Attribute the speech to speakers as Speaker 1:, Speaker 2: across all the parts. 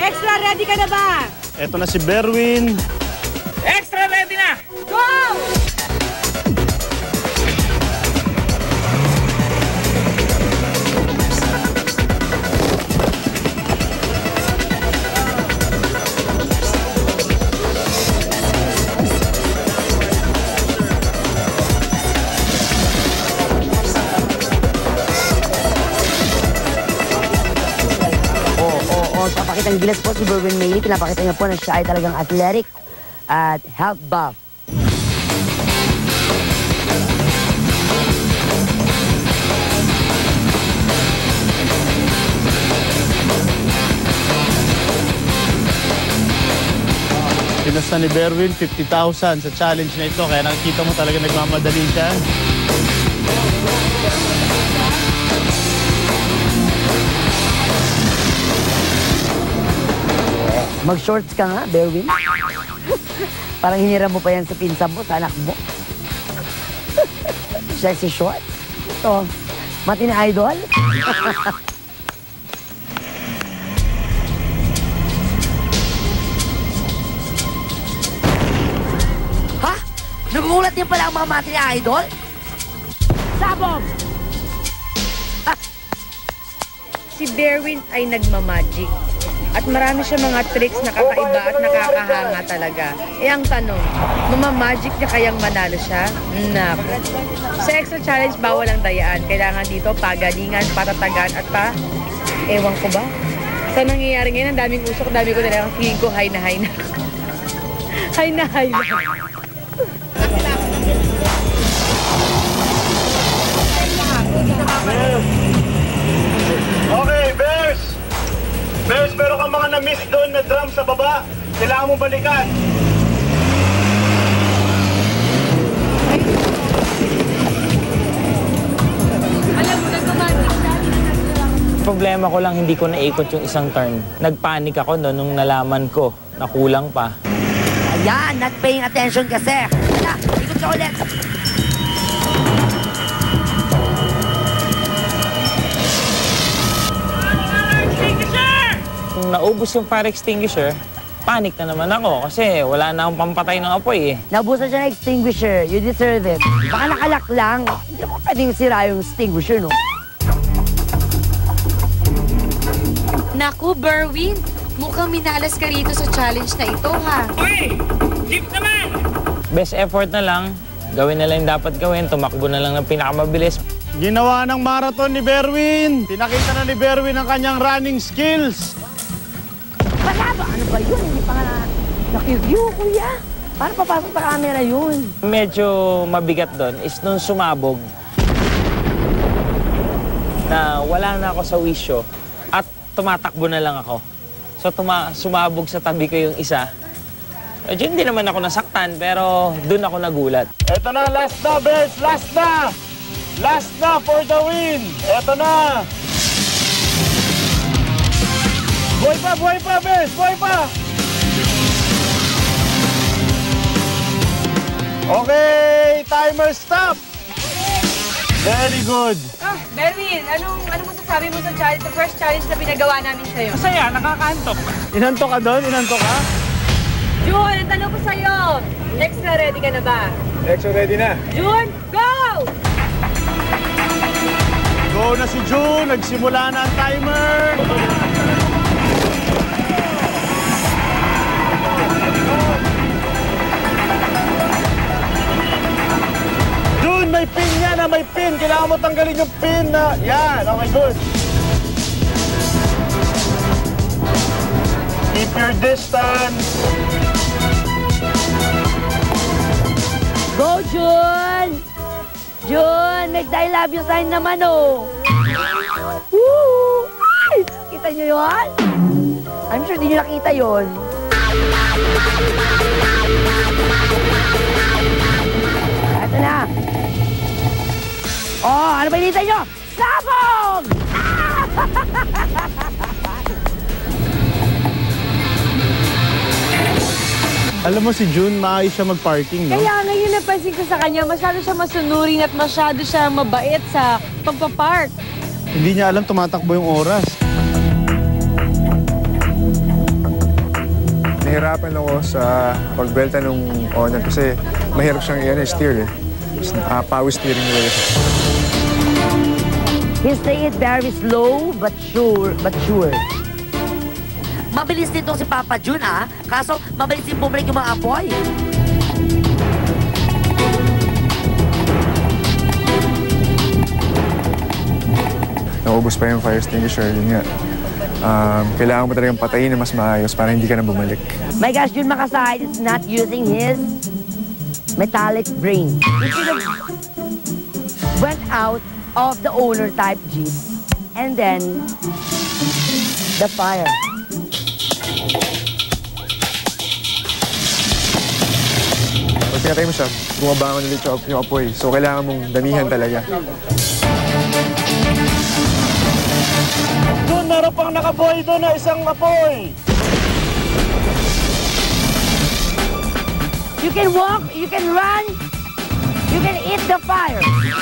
Speaker 1: Extra, ready ka na ba?
Speaker 2: Eto na si Berwin.
Speaker 3: Extra ready na!
Speaker 1: Go!
Speaker 4: Papakita ng gilas po si Berwin Mayley. Pinapakita niya po na siya ay talagang athletic at health buff.
Speaker 2: Pinasta ni Berwin 50,000 sa challenge na ito. Kaya nakikita mo talaga nagmamadali siya.
Speaker 4: Mag-shorts ka nga, Berwin. Parang hiniram mo pa yan sa pinsan mo, sa anak mo. Sexy shorts. Ito, mati na idol. Ha? Nagulat niya pala ang mga mati na idol? Sabog!
Speaker 1: Si Berwin ay nagmamagic. At marami siya mga tricks na kakaiba at nakakahanga talaga. Eh ang tanong, mamamagic niya kayang manalo siya? Naku. Sa extra challenge, bawal ang dayaan. Kailangan dito pagalingan, patatagan at ewan ko ba? Sa nangyayari ngayon, ang daming usok, dami ko talagang feeling ko high na high na. High na high na.
Speaker 2: Okay, Bears! Bears, meron kang mga na-miss doon na drum sa baba. Kailangan mong balikan.
Speaker 1: Alam mo, nagmamagic siya.
Speaker 3: Problema ko lang, hindi ko naikot yung isang turn. Nagpanik ako no, nung nalaman ko na kulang pa.
Speaker 4: Ayan, not paying attention kasi. Wala, ikot ka ulit.
Speaker 3: Nung naubos yung fire extinguisher, panic na naman ako kasi wala na akong pampatay ng apoy eh.
Speaker 4: Nabusan siya ng extinguisher. You deserve it. Baka nakalak lang. Hindi mo pwedeng sira yung extinguisher, no?
Speaker 1: Naku, Berwin. Mukhang minalas ka rito sa challenge na ito, ha?
Speaker 3: Uy! Jeep naman! Best effort na lang. Gawin na lang yung dapat gawin. Tumakbo na lang ng pinakamabilis.
Speaker 2: Ginawa ng marathon ni Berwin. Pinakita na ni Berwin ang kanyang running skills.
Speaker 4: Wala ba? Ano ba yun? Hindi pa nga na-review, kuya. Paano papasok sa camera yun?
Speaker 3: Medyo mabigat doon is nung sumabog na wala na ako sa wisyo at tumatakbo na lang ako. So sumabog sa tabi ko yung isa. Medyo hindi naman ako nasaktan pero doon ako nagulat.
Speaker 2: Eto na, last na, Bears! Last na! Last na for the win! Eto na! Buhay pa, Bears! Buhay pa! Okay, timer stop! Very good.
Speaker 1: Ah, Berwin, ano masasabi mo sa challenge, sa first challenge na pinagawa namin sa'yo?
Speaker 3: Masaya, nakakantok.
Speaker 2: Inantok ka doon? Inantok ka?
Speaker 1: Jun, ang tanong ko sa'yo, extra ready ka na ba?
Speaker 2: Exo ready na.
Speaker 1: Jun, go!
Speaker 2: Go na si June. Nagsimula na ang timer. June, may pin yan na may pin. Kailangan mo tanggalin yung pin na... Yan, okay, good. Keep your distance.
Speaker 4: Go, Jun! Jun, make the I love you sign naman, oh! Woo! Ay! Kita nyo yun? I'm sure di nyo nakita yun. Ito na. Oh, ano ba hinihintay nyo? Sabog!
Speaker 2: Alam mo si June, maayos siya mag-parking, no?
Speaker 1: Kaya ngayon napansin ko sa kanya, masyado siya masunurin at masyado siya mabait sa pagpapark.
Speaker 2: Hindi niya alam tumatakbo yung oras.
Speaker 5: nahirapan ako sa pagbelta ng Honor kasi mahirap siyang steer eh. Power steering wheel.
Speaker 4: He's taking it very slow but sure. Mabilis din si Papa Jun, ah. Kaso, mabilis din bumalik yung mga apoy.
Speaker 5: Naubos pa yung fire extinguisher, yun nga. Kailangan mo talagang patayin na mas maayos para hindi ka na bumalik.
Speaker 4: My gosh, Jun Makasahid is not using his metallic brain. He should have went out of the owner type Jeep and then the fire.
Speaker 5: Pag pinatay mo siya, bumabangon ulit yung apoy. So kailangan mong damihan talaga.
Speaker 2: Doon, meron pang nakabuhay doon na isang apoy.
Speaker 4: You can walk, you can run, you can eat the fire.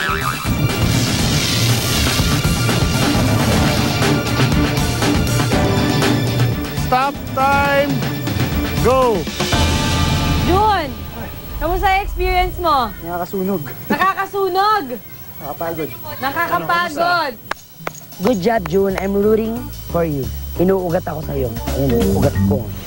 Speaker 2: Stop time. Go.
Speaker 6: Jun, kamusta yung experience mo?
Speaker 2: Nakakasunog.
Speaker 6: Nakakasunog!
Speaker 2: Nakapagod.
Speaker 6: Nakakapagod!
Speaker 4: Good job, Jun. I'm rooting for you. Inuugat ako sa'yo. Ayun, ugat ko.